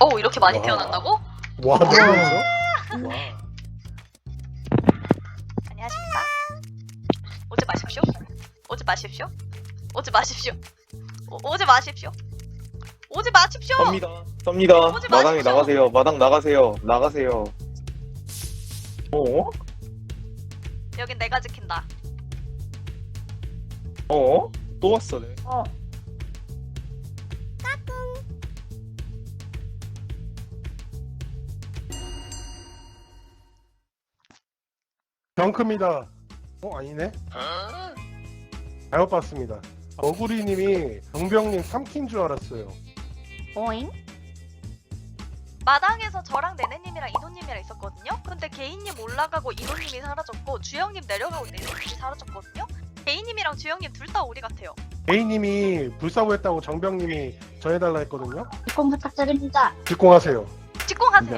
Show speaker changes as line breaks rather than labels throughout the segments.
오, 이렇게 많이
와.
태어난다고?
와, 태어났어? 와.
안녕하십니까? 오지 마십시오. 오지 마십시오. 오지 마십시오. 오지 마십시오. 오지 마십시오.
섭니다.
오지
마당에
마십시오.
나가세요. 마당 나가세요. 나가세요. 어?
여긴 내가 지킨다.
어? 또 왔어. 네.
경크입니다. 아니네? 잘못 봤습니다. 어구리님이 정병님 3킨 줄 알았어요.
오잉?
마당에서 저랑 네네님이랑 이노님이랑 있었거든요? 근데 개인님 올라가고 이노님이 사라졌고 주영님 내려가고 네네님이 사라졌거든요? 개인님이랑 주영님 둘 다 오리 같아요.
A님이 불사부했다고 정병님이 전해달라 했거든요.
입공 부탁드립니다.
직공하세요.
직공하세요.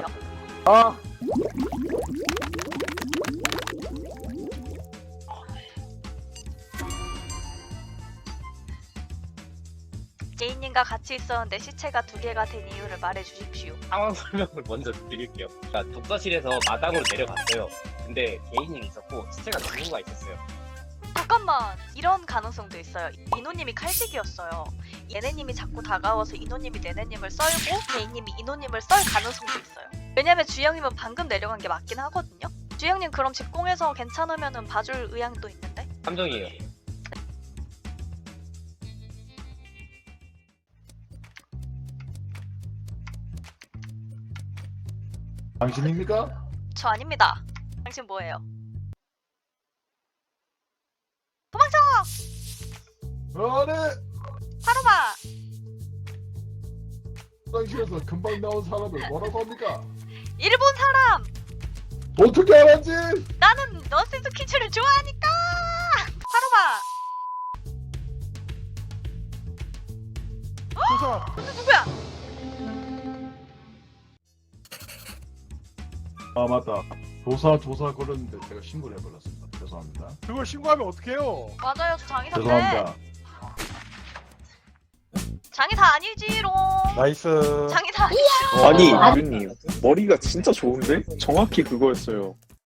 개인님과 같이 있었는데 시체가 2개가 된 이유를 말해주십시오.
상황 설명을 먼저 드릴게요. 그러니까 독서실에서 마당으로 내려갔어요. 근데 개인님이 있었고 시체가 2구가 있었어요.
잠깐만, 이런 가능성도 있어요. 이노님이 칼직이었어요. 얘네님이 자꾸 다가와서 이노님이 네네님을 썰고 개인님이 이노님을 썰 가능성도 있어요. 왜냐면 주영님은 방금 내려간 게 맞긴 하거든요. 주영님 그럼 직공해서 괜찮으면은 봐줄 의향도 있는데?
함정이에요.
당신입니까?
저 아닙니다. 당신 뭐예요? 도망쳐!
아네.
바로 봐!
화장실에서 금방 나온 사람을 뭐라고 합니까?
일본 사람!
어떻게 알았지?
나는 너스트 퀴즈를 좋아하니까! 바로 봐!
조사.
누구야?
아 맞다. 조사 걸렸는데 제가 신고를 해버렸습니다. 죄송합니다.
그걸 신고하면 어떡해요?
맞아요, 저 장의사인데.
죄송합니다.
장의사 아니지롱.
나이스.
장의사 아니지.
아니, 유님 머리가 진짜 좋은데? 정확히 그거였어요.